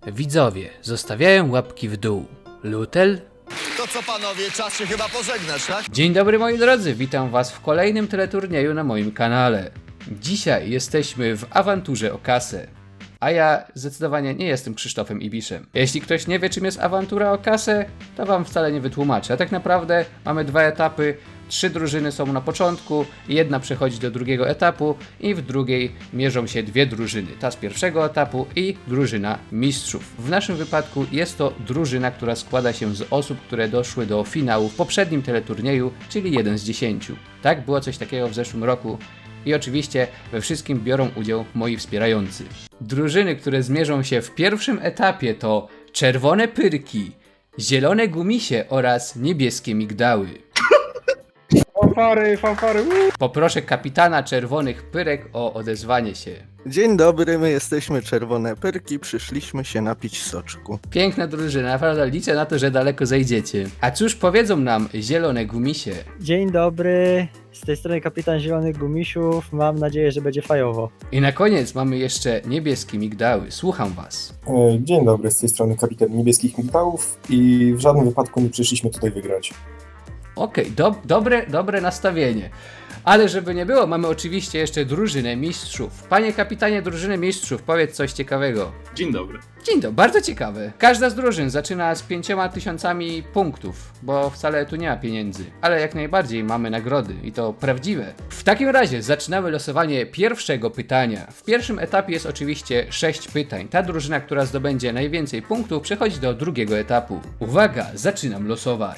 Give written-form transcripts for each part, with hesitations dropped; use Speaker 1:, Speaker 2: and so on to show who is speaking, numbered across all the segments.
Speaker 1: Widzowie zostawiają łapki w dół. Lutel?
Speaker 2: To co panowie, czas się chyba pożegnać, tak?
Speaker 1: Dzień dobry moi drodzy, witam was w kolejnym teleturnieju na moim kanale. Dzisiaj jesteśmy w awanturze o kasę. A ja zdecydowanie nie jestem Krzysztofem Ibiszem. Jeśli ktoś nie wie, czym jest awantura o kasę, to wam wcale nie wytłumaczę. A tak naprawdę mamy dwa etapy, 3 drużyny są na początku, jedna przechodzi do drugiego etapu i w drugiej mierzą się 2 drużyny. Ta z pierwszego etapu i drużyna mistrzów. W naszym wypadku jest to drużyna, która składa się z osób, które doszły do finału w poprzednim teleturnieju, czyli 1 z 10. Tak, było coś takiego w zeszłym roku. I oczywiście we wszystkim biorą udział moi wspierający. Drużyny, które zmierzą się w pierwszym etapie to czerwone pyrki, zielone gumisie oraz niebieskie migdały.
Speaker 3: Fanfary.
Speaker 1: Poproszę kapitana czerwonych pyrek o odezwanie się.
Speaker 4: Dzień dobry, my jesteśmy Czerwone Pyrki, przyszliśmy się napić soczku.
Speaker 1: Piękna drużyna, naprawdę liczę na to, że daleko zajdziecie. A cóż powiedzą nam zielone gumisie?
Speaker 3: Dzień dobry, z tej strony kapitan Zielonych Gumisiów, mam nadzieję, że będzie fajowo.
Speaker 1: I na koniec mamy jeszcze niebieskie migdały. Słucham was.
Speaker 5: Dzień dobry, z tej strony kapitan Niebieskich Migdałów i w żadnym wypadku nie przyszliśmy tutaj wygrać.
Speaker 1: Okej, dobre nastawienie. Ale żeby nie było, mamy oczywiście jeszcze drużynę mistrzów. Panie kapitanie drużyny mistrzów, powiedz coś ciekawego.
Speaker 6: Dzień dobry.
Speaker 1: Dzień dobry, bardzo ciekawe. Każda z drużyn zaczyna z 5000 punktów, bo wcale tu nie ma pieniędzy. Ale jak najbardziej mamy nagrody i to prawdziwe. W takim razie zaczynamy losowanie pierwszego pytania. W pierwszym etapie jest oczywiście 6 pytań. Ta drużyna, która zdobędzie najwięcej punktów, przechodzi do drugiego etapu. Uwaga, zaczynam losować.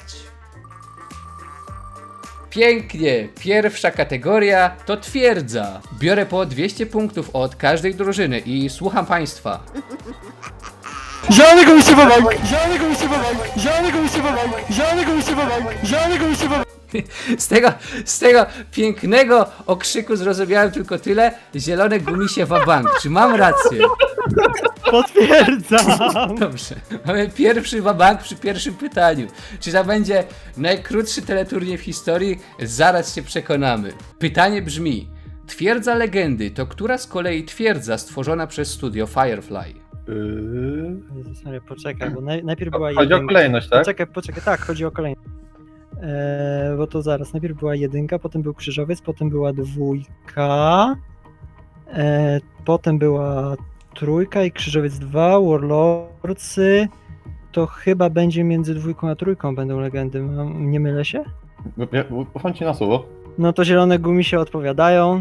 Speaker 1: Pięknie! Pierwsza kategoria to twierdza. Biorę po 200 punktów od każdej drużyny i słucham państwa.
Speaker 3: Zielony Gumisiowy bank! Zielony Gumisiowy bank! Zielony Gumisiowy bank! Zielony Gumisiowy bank! Zielony Gumisiowy bank!
Speaker 1: Z tego pięknego okrzyku zrozumiałem tylko tyle. Zielone gumisie wabank. Czy mam rację?
Speaker 3: Potwierdzam!
Speaker 1: Dobrze. Mamy pierwszy wabank przy pierwszym pytaniu. Czy to będzie najkrótszy teleturniej w historii? Zaraz się przekonamy. Pytanie brzmi. Twierdza legendy to która z kolei twierdza stworzona przez studio Firefly?
Speaker 3: Jezus Maria, poczekaj, bo najpierw była
Speaker 6: Chodzi o kolejność, tak?
Speaker 3: Poczekaj, tak, chodzi o kolejność. Bo to zaraz, najpierw była 1, potem był krzyżowiec, potem była 2, potem była 3 i krzyżowiec 2, warlordsy, to chyba będzie między 2 a 3 będą legendy, nie mylę się?
Speaker 6: Ufam ci na słowo.
Speaker 3: No to zielone gumisie odpowiadają.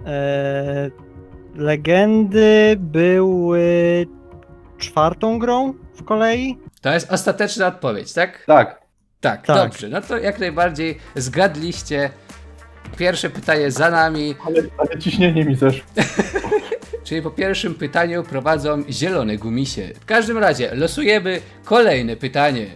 Speaker 3: Legendy były 4. grą w kolei.
Speaker 1: To jest ostateczna odpowiedź, tak?
Speaker 6: Tak.
Speaker 1: Tak,
Speaker 3: Tak.
Speaker 1: dobrze. No to jak najbardziej zgadliście. Pierwsze pytanie za nami.
Speaker 6: Ale ciśnienie mi też.
Speaker 1: Czyli po pierwszym pytaniu prowadzą zielone gumisie. W każdym razie losujemy kolejne pytanie.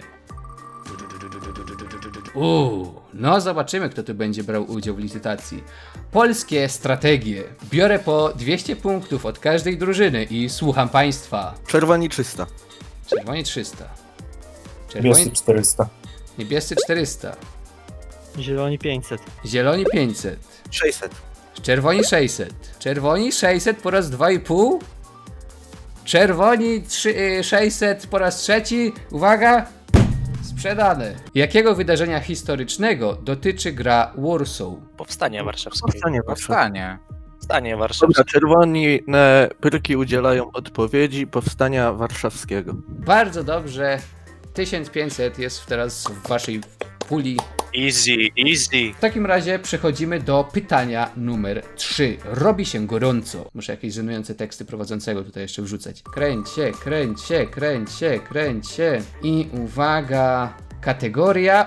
Speaker 1: No zobaczymy, kto tu będzie brał udział w licytacji. Polskie strategie. Biorę po 200 punktów od każdej drużyny i słucham państwa.
Speaker 4: Czerwoni 300.
Speaker 1: Czerwoni 300.
Speaker 5: Niebiescy 400.
Speaker 1: Niebiescy 400.
Speaker 3: Zieloni 500.
Speaker 1: Zieloni 500.
Speaker 4: 600.
Speaker 1: Czerwoni 600. Czerwoni 600 po raz 2,5. Czerwoni 600 po raz trzeci. Uwaga! Sprzedane. Jakiego wydarzenia historycznego dotyczy gra Warsaw?
Speaker 7: Powstania warszawskiego.
Speaker 4: Powstanie
Speaker 7: warszawskie.
Speaker 4: Dobra, Czerwone Pyrki udzielają odpowiedzi powstania warszawskiego.
Speaker 1: Bardzo dobrze. 1500 jest teraz w waszej puli.
Speaker 7: Easy.
Speaker 1: W takim razie przechodzimy do pytania numer 3. Robi się gorąco. Muszę jakieś żenujące teksty prowadzącego tutaj jeszcze wrzucać. Kręć się. I uwaga, kategoria.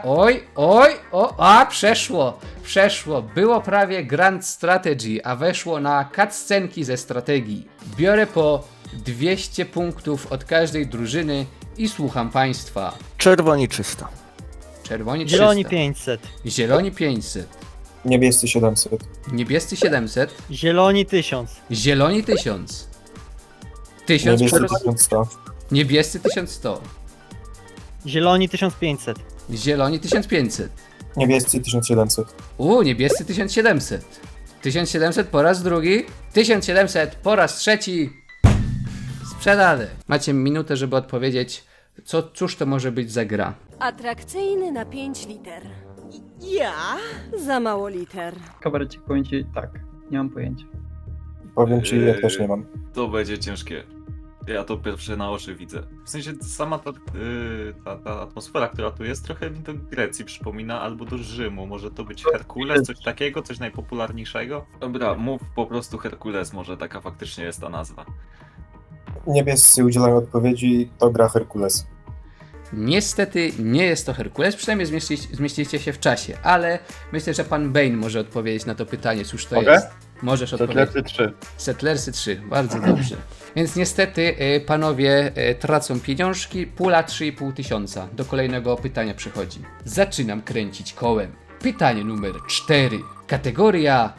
Speaker 1: Przeszło. Było prawie Grand Strategy, a weszło na cutscenki ze strategii. Biorę po 200 punktów od każdej drużyny i słucham państwa.
Speaker 4: Czerwoni 300.
Speaker 1: Czerwoni 300.
Speaker 3: Zieloni 500.
Speaker 1: Zieloni 500.
Speaker 5: Niebiescy 700.
Speaker 1: Niebiescy 700.
Speaker 3: Zieloni 1000.
Speaker 1: Zieloni 1000. 1000
Speaker 5: Niebiescy
Speaker 1: przerost...
Speaker 5: 1100.
Speaker 1: Niebiescy 1100.
Speaker 3: Zieloni 1500.
Speaker 1: Zieloni 1500.
Speaker 5: Niebiescy 1700.
Speaker 1: Niebiescy 1700. 1700 po raz drugi. 1700 po raz trzeci. Sprzedane. Macie minutę, żeby odpowiedzieć, cóż to może być za gra.
Speaker 8: Atrakcyjny na 5 liter. Ja? Za mało liter.
Speaker 9: Kabarecik, powiem ci tak, nie mam pojęcia.
Speaker 5: Powiem ci, ja też nie mam.
Speaker 10: To będzie ciężkie. Ja to pierwsze na oczy widzę. W sensie sama ta atmosfera, która tu jest, trochę mi do Grecji przypomina, albo do Rzymu. Może to być Herkules, coś takiego, coś najpopularniejszego? Dobra, mów po prostu Herkules, może taka faktycznie jest ta nazwa.
Speaker 5: Niebiescy udzielają odpowiedzi, to gra Herkules.
Speaker 1: Niestety nie jest to Herkules, przynajmniej zmieścicie się w czasie, ale myślę, że pan Bane może odpowiedzieć na to pytanie, cóż to
Speaker 6: Mogę?
Speaker 1: jest. Możesz odpowiedzieć.
Speaker 6: Setlersy 3.
Speaker 1: Settlersy 3, bardzo dobrze. Więc niestety panowie tracą pieniążki, pula 3,5 tysiąca. Do kolejnego pytania przychodzi. Zaczynam kręcić kołem. Pytanie numer 4. Kategoria...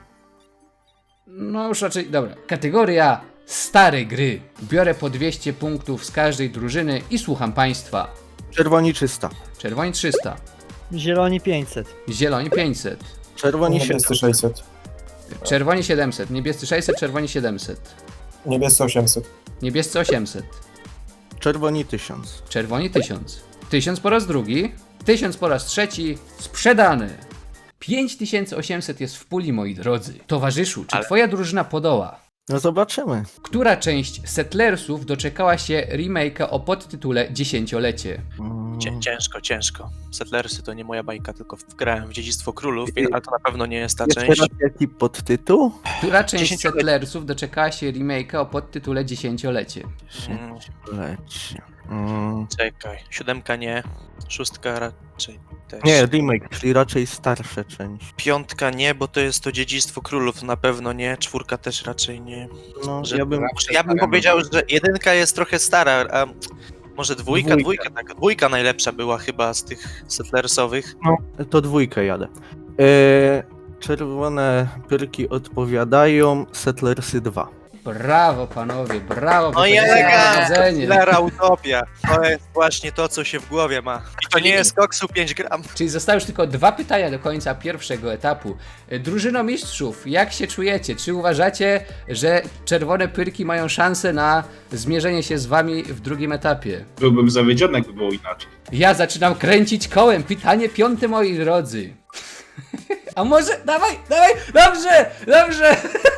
Speaker 1: No już raczej, dobra. Kategoria stare gry. Biorę po 200 punktów z każdej drużyny i słucham państwa.
Speaker 4: Czerwoni 300.
Speaker 1: Czerwoni 300,
Speaker 3: Zieloni 500.
Speaker 1: zieloni 500,
Speaker 4: Czerwoni
Speaker 5: Niebiescy
Speaker 4: 700.
Speaker 5: 600.
Speaker 1: czerwoni 700, niebiescy 600, czerwoni 700,
Speaker 5: Niebiescy 800.
Speaker 1: niebiescy 800,
Speaker 4: Czerwoni 1000.
Speaker 1: czerwoni 1000, 1000 po raz drugi, 1000 po raz trzeci, sprzedane. 5800 jest w puli, moi drodzy. Towarzyszu, czy twoja drużyna podoła?
Speaker 4: No zobaczymy.
Speaker 1: Która część Settlersów doczekała się remake'a o podtytule Dziesięciolecie?
Speaker 7: Ciężko. Settlersy to nie moja bajka, tylko wgrałem w Dziedzictwo Królów, ale to na pewno nie jest ta
Speaker 4: Jeszcze
Speaker 7: część.
Speaker 4: raz jaki podtytuł?
Speaker 1: Która część
Speaker 7: Dziesięciolecie.
Speaker 1: Settlersów doczekała się remake'a o podtytule Dziesięciolecie?
Speaker 4: Leci.
Speaker 7: Czekaj, 7 nie, 6 raczej też.
Speaker 4: Nie, remake, czyli raczej starsza część.
Speaker 7: 5 nie, bo to jest to Dziedzictwo Królów, na pewno nie, 4 też raczej nie.
Speaker 4: No,
Speaker 7: Że-
Speaker 4: ja bym
Speaker 7: powiedział, że 1 jest trochę stara, a może dwójka, tak. 2 najlepsza była chyba z tych Settlersowych.
Speaker 4: To 2 jadę. Czerwone pyrki odpowiadają Settlersy 2.
Speaker 1: Brawo panowie, brawo,
Speaker 7: No i
Speaker 1: wychodzicie na
Speaker 7: elegancko,
Speaker 1: prowadzenie.
Speaker 7: Hilera Utopia. To jest właśnie to, co się w głowie ma. I to nie jest koksu 5 gram.
Speaker 1: Czyli zostały już tylko 2 pytania do końca pierwszego etapu. Drużyno mistrzów, jak się czujecie? Czy uważacie, że czerwone pyrki mają szansę na zmierzenie się z wami w drugim etapie?
Speaker 6: Byłbym zawiedziony, jakby było inaczej.
Speaker 1: Ja zaczynam kręcić kołem. Pytanie 5, moi drodzy. A może... Dawaj! Dobrze!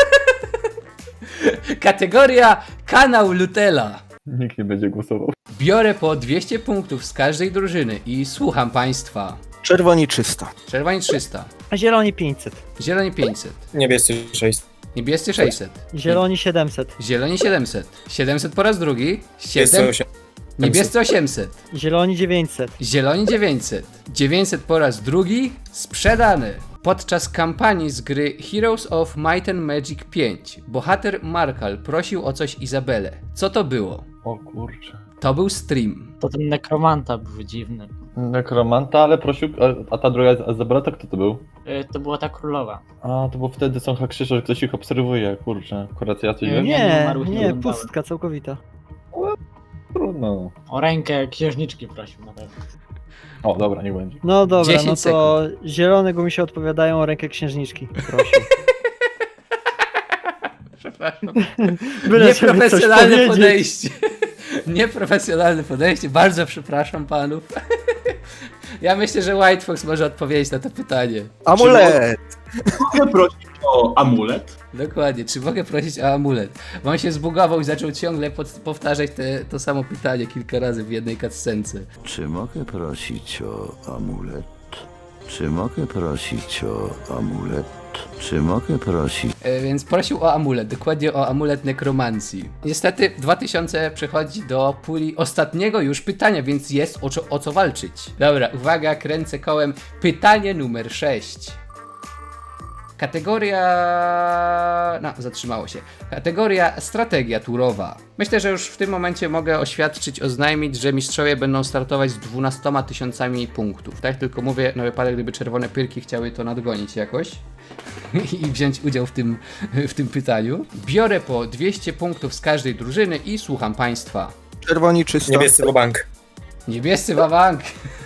Speaker 1: Kategoria kanał Lutela.
Speaker 6: Nikt nie będzie głosował.
Speaker 1: Biorę po 200 punktów z każdej drużyny i słucham państwa.
Speaker 4: Czerwoni 300.
Speaker 1: Czerwoni 300,
Speaker 3: A zieloni 500.
Speaker 1: zieloni 500,
Speaker 5: Niebiescy 600.
Speaker 1: niebiescy 600,
Speaker 3: Zieloni 700.
Speaker 1: zieloni 700, 700 po raz drugi, 7, niebiescy 800,
Speaker 3: Zieloni 900.
Speaker 1: zieloni 900, 900 po raz drugi, sprzedane. Podczas kampanii z gry Heroes of Might and Magic 5 bohater Markal prosił o coś Izabelę. Co to było?
Speaker 6: O kurczę.
Speaker 1: To był stream.
Speaker 9: To ten nekromanta był dziwny.
Speaker 6: Nekromanta, ale prosił, a ta druga Zabrata, kto to był?
Speaker 9: To była ta królowa.
Speaker 6: A, to było wtedy są hakrzysze, że ktoś ich obserwuje, kurczę. Akurat ja coś wiem?
Speaker 3: Nie,
Speaker 9: umarłych nie
Speaker 3: nie,
Speaker 9: oglądałem.
Speaker 3: pustka całkowita.
Speaker 6: Trudno.
Speaker 9: O rękę księżniczki prosił na pewno.
Speaker 6: O, dobra, niech będzie.
Speaker 3: No dobra,
Speaker 1: 10
Speaker 3: no to zielone gumisie odpowiadają o rękę księżniczki. Prosił.
Speaker 1: Przepraszam.
Speaker 3: Byle żeby coś
Speaker 1: Nieprofesjonalne
Speaker 3: powiedzieć.
Speaker 1: podejście. Nieprofesjonalne podejście. Bardzo przepraszam panów. Ja myślę, że White Fox może odpowiedzieć na to pytanie.
Speaker 4: Amulet!
Speaker 6: Mogę prosić o amulet?
Speaker 1: Dokładnie. Czy mogę prosić o amulet? Bo on się zbugował i zaczął ciągle powtarzać to samo pytanie kilka razy w jednej cutscence.
Speaker 2: Czy mogę prosić o amulet? Czy mogę prosić o amulet? Czy mogę prosić?
Speaker 1: Więc prosił o amulet, dokładnie o amulet nekromancji. Niestety 2000 przechodzi do puli ostatniego już pytania, więc jest o co walczyć. Dobra, uwaga, kręcę kołem. Pytanie numer 6. Kategoria... No, zatrzymało się. Kategoria strategia turowa. Myślę, że już w tym momencie mogę oznajmić, że mistrzowie będą startować z 12 000 punktów. Tak? Tylko mówię na wypadek, gdyby czerwone pyrki chciały to nadgonić jakoś i wziąć udział w tym pytaniu. Biorę po 200 punktów z każdej drużyny i słucham państwa.
Speaker 4: Czerwoni 300.
Speaker 5: Niebiescy bank.
Speaker 1: Niebiescy wabank.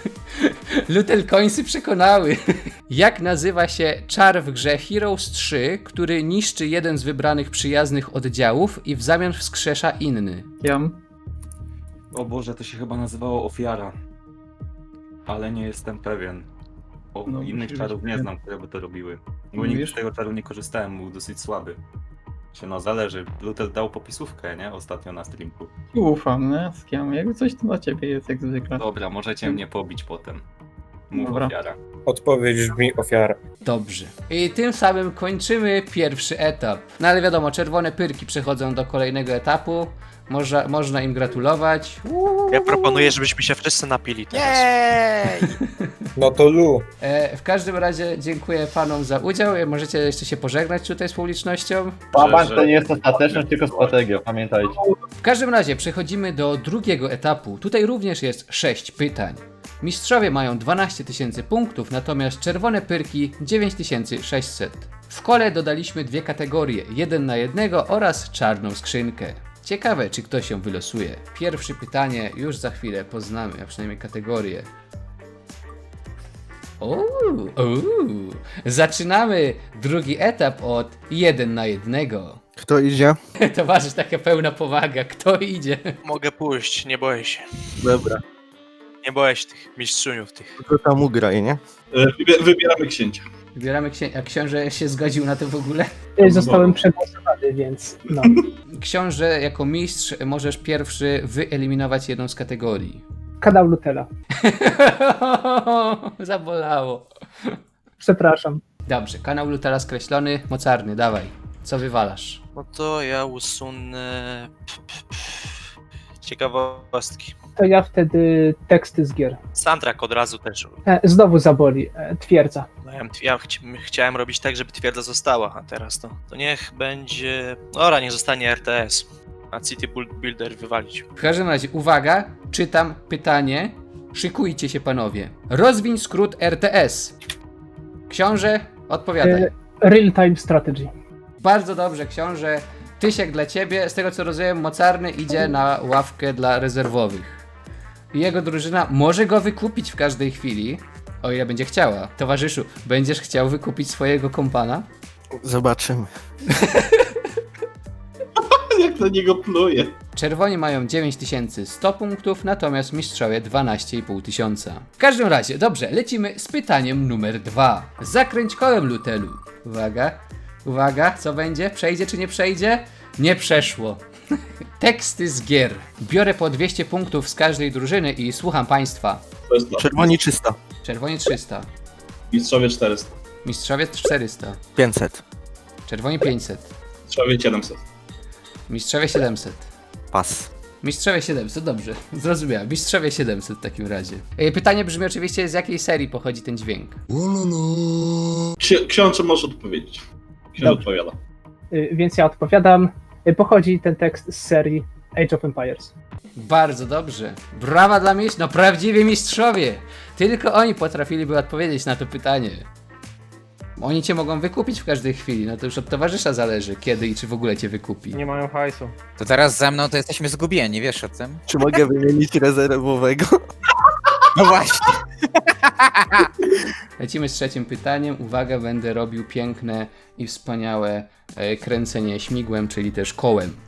Speaker 1: Lutel Coinsy przekonały. Jak nazywa się czar w grze Heroes 3, który niszczy jeden z wybranych przyjaznych oddziałów i w zamian wskrzesza inny?
Speaker 10: O Boże, to się chyba nazywało Ofiara. Ale nie jestem pewien. Bo
Speaker 9: No,
Speaker 10: innych
Speaker 9: musi
Speaker 10: czarów
Speaker 9: być
Speaker 10: nie
Speaker 9: ten.
Speaker 10: znam, które by to robiły. Bo
Speaker 9: Mówisz?
Speaker 10: nigdy z tego czaru nie korzystałem, był dosyć słaby. No zależy. Lutel dał popisówkę, nie? Ostatnio na streamku.
Speaker 9: Ufam, nie? Z kim? Jakby coś to dla ciebie jest jak zwykle.
Speaker 10: Dobra, możecie mnie pobić potem. Mów
Speaker 9: Dobra.
Speaker 10: Ofiara.
Speaker 5: Odpowiedź brzmi ofiara.
Speaker 1: Dobrze. I tym samym kończymy pierwszy etap. No ale wiadomo, czerwone pyrki przechodzą do kolejnego etapu. Można im gratulować.
Speaker 7: Ja proponuję, żebyśmy się wszyscy napili teraz.
Speaker 5: No to Lu.
Speaker 1: W każdym razie dziękuję panom za udział. Możecie jeszcze się pożegnać tutaj z publicznością.
Speaker 6: Łamać to nie jest ostateczność, tylko strategia, pamiętajcie.
Speaker 1: W każdym razie przechodzimy do drugiego etapu. Tutaj również jest 6 pytań. Mistrzowie mają 12 000 punktów, natomiast czerwone pyrki 9600. W kole dodaliśmy dwie kategorie, 1 na 1 oraz czarną skrzynkę. Ciekawe, czy ktoś ją wylosuje. Pierwsze pytanie już za chwilę poznamy, a przynajmniej kategorię. Zaczynamy drugi etap od 1 na 1.
Speaker 4: Kto idzie?
Speaker 1: Towarzysz, taka pełna powaga. Kto idzie?
Speaker 7: Mogę pójść, nie boję się.
Speaker 4: Dobra.
Speaker 7: Nie boję się tych mistrzuniów tych.
Speaker 4: Kto tam ugraj, nie?
Speaker 6: Wybieramy księcia.
Speaker 1: Wybieramy a książę się zgodził na to w ogóle?
Speaker 3: Zostałem przegłosowany, więc no.
Speaker 1: Książę, jako mistrz możesz pierwszy wyeliminować jedną z kategorii.
Speaker 3: Kanał Lutela.
Speaker 1: Zabolało.
Speaker 3: Przepraszam.
Speaker 1: Dobrze, kanał Lutela skreślony, mocarny, dawaj. Co wywalasz?
Speaker 7: No to ja usunę... ciekawostki.
Speaker 3: To ja wtedy teksty z gier.
Speaker 7: Soundtrack od razu też.
Speaker 3: Znowu zaboli. Twierdza.
Speaker 7: No, ja chciałem robić tak, żeby twierdza została, a teraz to niech będzie... Dobra, niech zostanie RTS. A City Builder wywalić.
Speaker 1: W każdym razie, uwaga, czytam pytanie. Szykujcie się panowie. Rozwiń skrót RTS. Książę, odpowiadaj.
Speaker 3: Real Time Strategy.
Speaker 1: Bardzo dobrze, książę. Tysiek dla ciebie. Z tego co rozumiem, mocarny idzie na ławkę dla rezerwowych. Jego drużyna może go wykupić w każdej chwili, o ile będzie chciała. Towarzyszu, będziesz chciał wykupić swojego kompana?
Speaker 4: Zobaczymy.
Speaker 6: Jak na niego pluje.
Speaker 1: Czerwoni mają 9100 punktów, natomiast mistrzowie 12 500. W każdym razie, dobrze, lecimy z pytaniem numer 2. Zakręć kołem, Lutelu. Uwaga, uwaga, co będzie? Przejdzie czy nie przejdzie? Nie przeszło. Teksty z gier. Biorę po 200 punktów z każdej drużyny i słucham państwa.
Speaker 4: Czerwoni 300.
Speaker 1: Czerwoni 300,
Speaker 6: Mistrzowie 400.
Speaker 1: mistrzowie 400,
Speaker 4: 500.
Speaker 1: czerwoni 500,
Speaker 6: Mistrzowie 700.
Speaker 1: mistrzowie 700.
Speaker 4: Pas.
Speaker 1: Mistrzowie 700, dobrze, zrozumiałem. Mistrzowie 700 w takim razie. Pytanie brzmi oczywiście, z jakiej serii pochodzi ten dźwięk?
Speaker 6: Książę może odpowiedzieć. Książę odpowiada.
Speaker 3: Więc ja odpowiadam. Pochodzi ten tekst z serii Age of Empires.
Speaker 1: Bardzo dobrze. Brawa dla mistrzów, no prawdziwi mistrzowie. Tylko oni potrafiliby odpowiedzieć na to pytanie. Oni cię mogą wykupić w każdej chwili, no to już od towarzysza zależy, kiedy i czy w ogóle cię wykupi.
Speaker 11: Nie mają hajsu.
Speaker 12: To teraz ze mną to jesteśmy zgubieni, wiesz o tym?
Speaker 4: Czy mogę wymienić rezerwowego?
Speaker 12: No właśnie.
Speaker 1: Lecimy z trzecim pytaniem. Uwaga, będę robił piękne i wspaniałe kręcenie śmigłem, czyli też kołem.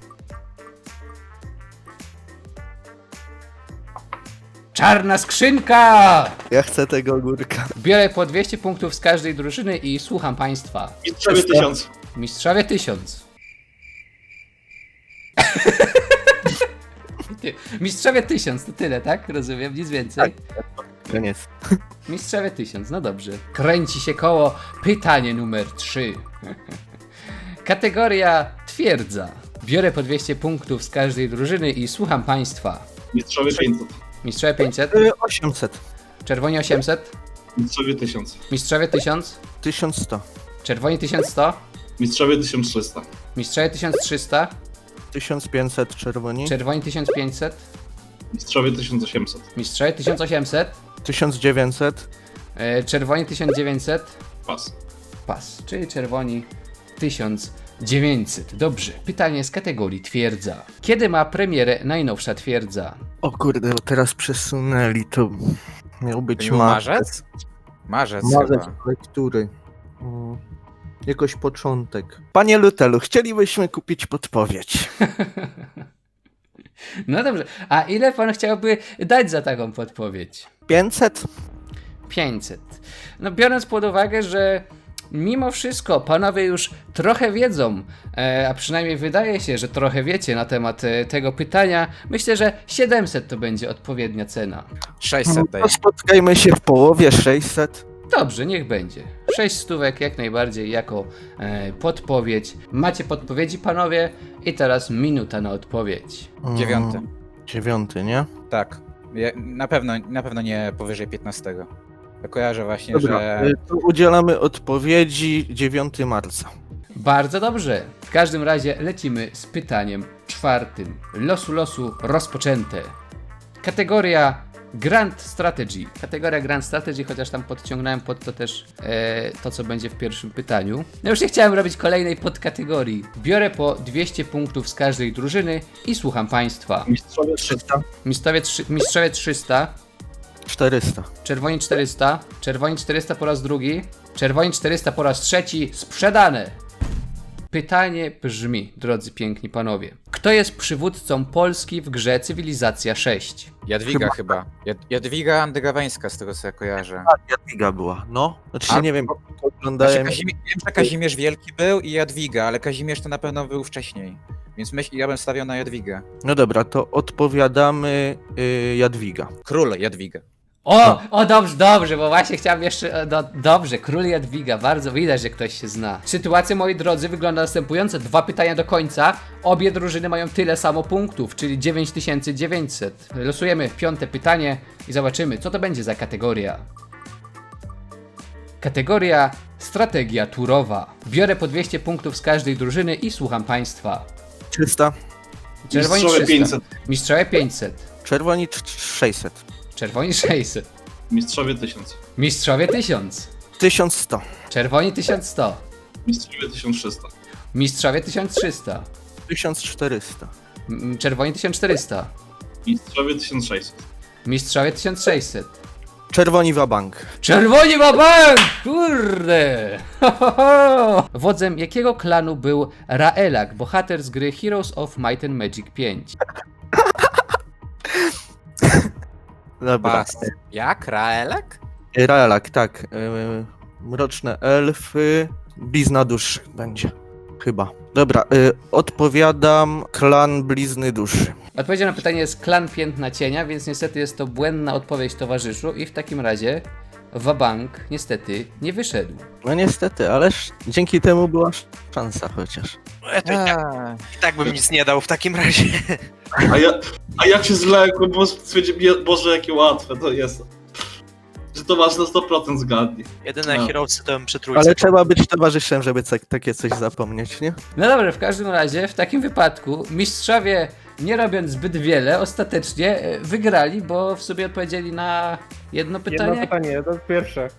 Speaker 1: Czarna skrzynka!
Speaker 4: Ja chcę tego ogórka.
Speaker 1: Biorę po 200 punktów z każdej drużyny i słucham państwa.
Speaker 6: Mistrzowie 1000.
Speaker 1: Mistrzowie 1000. Mistrzowie 1000, to tyle, tak? Rozumiem, nic więcej.
Speaker 4: Koniec.
Speaker 1: Mistrzowie 1000, no dobrze. Kręci się koło. Pytanie numer 3. Kategoria twierdza. Biorę po 200 punktów z każdej drużyny i słucham państwa.
Speaker 6: Mistrzowie 500.
Speaker 1: Mistrzowie 500,
Speaker 4: 800.
Speaker 1: czerwoni 800,
Speaker 6: Mistrzowie 1000.
Speaker 1: mistrzowie 1000,
Speaker 4: 1100.
Speaker 1: czerwoni 1100,
Speaker 6: Mistrzowie 1300.
Speaker 1: mistrzowie 1300,
Speaker 4: 1500 czerwoni.
Speaker 1: czerwoni 1500,
Speaker 6: Mistrzowie 1800.
Speaker 1: mistrzowie 1800,
Speaker 4: 1900.
Speaker 1: czerwoni 1900,
Speaker 6: Pas.
Speaker 1: pas, czyli czerwoni 1900. Dobrze, pytanie z kategorii twierdza. Kiedy ma premierę najnowsza twierdza?
Speaker 4: O kurde, bo teraz przesunęli to. Miał być
Speaker 12: To był marzec? Marzec
Speaker 4: Marzec
Speaker 12: chyba.
Speaker 4: lektury. Jakoś początek. Panie Lutelu, chcielibyśmy kupić podpowiedź.
Speaker 1: No dobrze, a ile pan chciałby dać za taką podpowiedź?
Speaker 4: 500?
Speaker 1: 500. No biorąc pod uwagę, że mimo wszystko panowie już trochę wiedzą, a przynajmniej wydaje się, że trochę wiecie na temat tego pytania, myślę, że 700 to będzie odpowiednia cena.
Speaker 12: 600 daje.
Speaker 4: To spotkajmy się w połowie, 600.
Speaker 1: Dobrze, niech będzie. 6 stówek jak najbardziej jako podpowiedź. Macie podpowiedzi panowie i teraz minuta na odpowiedź.
Speaker 12: 9.
Speaker 4: 9, nie?
Speaker 12: Tak. Na pewno nie powyżej 15. Ja kojarzę właśnie,
Speaker 4: Dobra,
Speaker 12: że...
Speaker 4: to udzielamy odpowiedzi 9 marca.
Speaker 1: Bardzo dobrze. W każdym razie lecimy z pytaniem 4. Losu rozpoczęte. Kategoria Grand Strategy. Kategoria Grand Strategy, chociaż tam podciągnąłem pod to też to, co będzie w pierwszym pytaniu. No już nie chciałem robić kolejnej podkategorii. Biorę po 200 punktów z każdej drużyny i słucham państwa.
Speaker 5: Mistrzowie 300.
Speaker 1: Mistrzowie 300.
Speaker 4: 400.
Speaker 1: Czerwoni 400. Czerwoni 400 po raz drugi. Czerwoni 400 po raz trzeci. Sprzedane! Pytanie brzmi, drodzy piękni panowie. Kto jest przywódcą Polski w grze Cywilizacja 6?
Speaker 12: Jadwiga chyba. Jadwiga Andygaweńska, z tego co ja kojarzę.
Speaker 4: Jadwiga była, no. Znaczy
Speaker 12: A,
Speaker 4: nie wiem,
Speaker 12: Znaczy,
Speaker 4: oglądałem...
Speaker 12: wiem, że Kazimierz Wielki był i Jadwiga, ale Kazimierz to na pewno był wcześniej. Więc ja bym stawiał na Jadwigę.
Speaker 4: No dobra, to odpowiadamy Jadwiga.
Speaker 12: Król Jadwiga.
Speaker 1: O, dobrze, bo właśnie chciałem jeszcze. Dobrze, król Jadwiga, bardzo widać, że ktoś się zna. Sytuacja, moi drodzy, wygląda następująco. 2 pytania do końca. Obie drużyny mają tyle samo punktów, czyli 9900. Losujemy 5. pytanie i zobaczymy, co to będzie za kategoria. Kategoria Strategia turowa. Biorę po 200 punktów z każdej drużyny i słucham państwa.
Speaker 4: 300.
Speaker 1: Czerwoni
Speaker 5: Mistrzowie
Speaker 1: 300.
Speaker 5: 500.
Speaker 1: Mistrzowie 500.
Speaker 4: Czerwoni 600.
Speaker 1: Czerwoni 600.
Speaker 5: Mistrzowie 1000.
Speaker 1: Mistrzowie 1000.
Speaker 4: 1100.
Speaker 1: Czerwoni 1100.
Speaker 5: Mistrzowie 1300.
Speaker 1: Mistrzowie 1300.
Speaker 4: 1400.
Speaker 1: Czerwoni 1400.
Speaker 5: Mistrzowie 1600.
Speaker 1: Mistrzowie 1600.
Speaker 4: Czerwoni wabank.
Speaker 1: Czerwoni ma bank! Kurde! Ho, ho, ho! Wodzem jakiego klanu był Raelak, bohater z gry Heroes of Might and Magic 5?
Speaker 4: Dobra.
Speaker 12: Pas. Jak? Raelek?
Speaker 4: Raelak, tak. Mroczne elfy. Blizna duszy będzie. Chyba. Dobra, odpowiadam klan Blizny duszy.
Speaker 1: Odpowiedzią na pytanie jest klan Piętna Cienia, więc niestety jest to błędna odpowiedź, towarzyszu, i w takim razie wabank niestety nie wyszedł.
Speaker 4: No niestety, ależ dzięki temu była szansa chociaż.
Speaker 7: To i tak bym nic nie dał w takim razie.
Speaker 5: A jak się zlekłem, bo stwierdziłem, Boże, jakie łatwe to jest. Że to masz na 100% zgadnie.
Speaker 7: Jedyne
Speaker 5: No.
Speaker 7: Heroesy to bym przy trójce.
Speaker 4: Ale trzeba być towarzyszem, żeby takie coś zapomnieć, nie?
Speaker 1: No dobrze, w każdym razie w takim wypadku mistrzowie, nie robiąc zbyt wiele, ostatecznie wygrali, bo w sobie odpowiedzieli na jedno pytanie.
Speaker 11: Jedno pytanie, to pierwsze.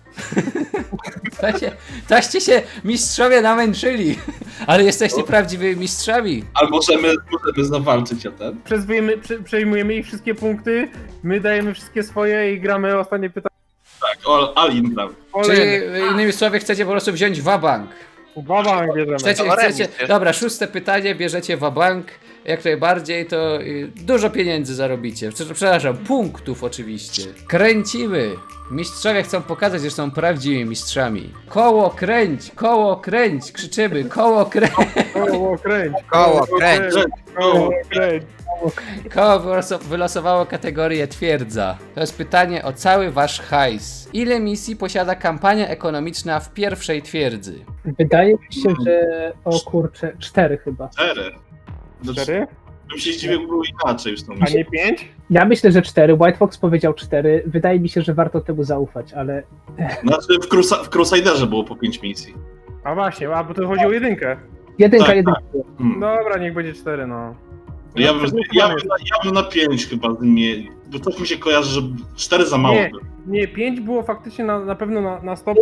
Speaker 1: Toście się mistrzowie namęczyli, ale jesteście prawdziwymi mistrzami.
Speaker 5: Ale możemy zawalczyć o ten.
Speaker 11: Przejmujemy ich wszystkie punkty, my dajemy wszystkie swoje i gramy ostatnie pytanie.
Speaker 5: Tak, Alin gram.
Speaker 1: Czyli innymi słowy chcecie po prostu wziąć wabank.
Speaker 11: Wabank bierzemy.
Speaker 1: Chcecie, dobra, 6. pytanie, bierzecie wabank, jak najbardziej, to dużo pieniędzy zarobicie. Przepraszam, punktów oczywiście. Kręcimy. Mistrzowie chcą pokazać, że są prawdziwymi mistrzami. Koło kręć, krzyczymy, koło kręć.
Speaker 11: Koło kręć.
Speaker 12: Koło kręć.
Speaker 11: Koło kręć.
Speaker 1: Koło wylosowało kategorię twierdza. To jest pytanie o cały wasz hajs. Ile misji posiada kampania ekonomiczna w pierwszej twierdzy?
Speaker 11: Wydaje mi się, że o kurczę, 4 chyba.
Speaker 5: 4.
Speaker 11: 4?
Speaker 5: Bym się zdziwił, było inaczej już to
Speaker 11: A nie 5? Ja myślę, że 4. White Fox powiedział 4. Wydaje mi się, że warto temu zaufać, ale...
Speaker 5: Znaczy w Crusaderze było po 5 misji.
Speaker 11: A właśnie, bo to chodzi o jedynkę. Jedynka.
Speaker 5: Dobra,
Speaker 11: niech będzie 4, no.
Speaker 5: Ja bym na 5 chyba zmienił, bo coś mi się kojarzy, że 4 za mało.
Speaker 11: Nie, 5 było faktycznie na pewno na 100%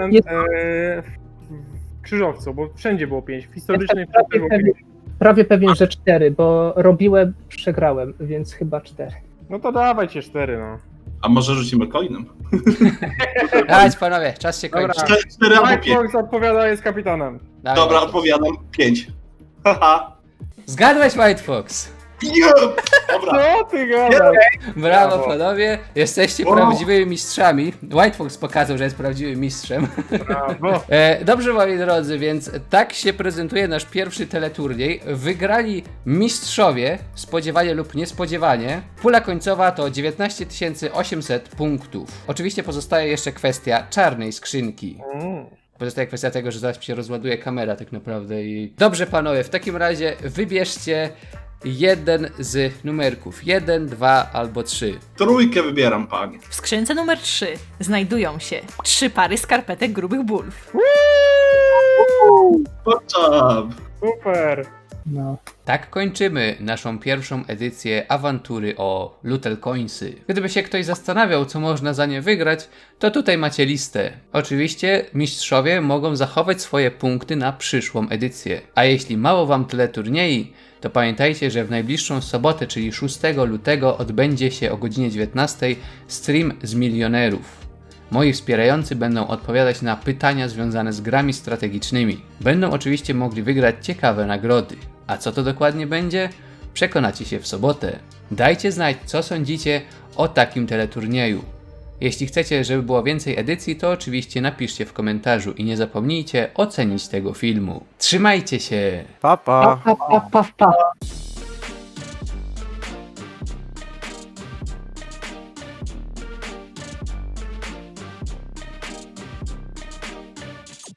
Speaker 11: w krzyżowcu, bo wszędzie było 5. W historycznej było 5.
Speaker 13: Prawie pewien, że 4, bo robiłem, przegrałem, więc chyba 4.
Speaker 11: No to dawajcie 4, no.
Speaker 5: A może rzucimy coinem?
Speaker 1: Dać panowie, czas się kończy.
Speaker 5: 4 albo 5.
Speaker 13: Fox odpowiada, jest kapitanem.
Speaker 1: Dawaj,
Speaker 5: Dobra,
Speaker 1: White Fox.
Speaker 5: odpowiadam. 5. Haha.
Speaker 1: Zgadłeś, White Fox.
Speaker 5: Dobra.
Speaker 13: Co ty gadasz?
Speaker 1: Brawo
Speaker 13: Brawo.
Speaker 1: panowie, jesteście prawdziwymi mistrzami. White Fox pokazał, że jest prawdziwym mistrzem.
Speaker 13: Brawo.
Speaker 1: Dobrze, moi drodzy, więc tak się prezentuje nasz pierwszy teleturniej. Wygrali mistrzowie, spodziewanie lub niespodziewanie. Pula końcowa to 19 800 punktów. Oczywiście pozostaje jeszcze kwestia czarnej skrzynki. Pozostaje kwestia tego, że zaraz mi się rozładuje kamera tak naprawdę i... Dobrze panowie, w takim razie wybierzcie jeden z numerków. 1, 2 albo 3.
Speaker 5: Trójkę wybieram, panie.
Speaker 8: W skrzynce numer 3 znajdują się 3 pary skarpetek grubych bulw.
Speaker 5: Poczam.
Speaker 13: Super.
Speaker 11: No.
Speaker 1: Tak kończymy naszą pierwszą edycję awantury o Lootel Coinsy. Gdyby się ktoś zastanawiał, co można za nie wygrać, to tutaj macie listę. Oczywiście mistrzowie mogą zachować swoje punkty na przyszłą edycję. A jeśli mało wam teleturniej, to pamiętajcie, że w najbliższą sobotę, czyli 6 lutego odbędzie się o godzinie 19 stream z milionerów. Moi wspierający będą odpowiadać na pytania związane z grami strategicznymi. Będą oczywiście mogli wygrać ciekawe nagrody. A co to dokładnie będzie? Przekonacie się w sobotę. Dajcie znać, co sądzicie o takim teleturnieju. Jeśli chcecie, żeby było więcej edycji, to oczywiście napiszcie w komentarzu i nie zapomnijcie ocenić tego filmu. Trzymajcie się!
Speaker 4: Pa, pa.
Speaker 11: Pa, pa, pa, pa.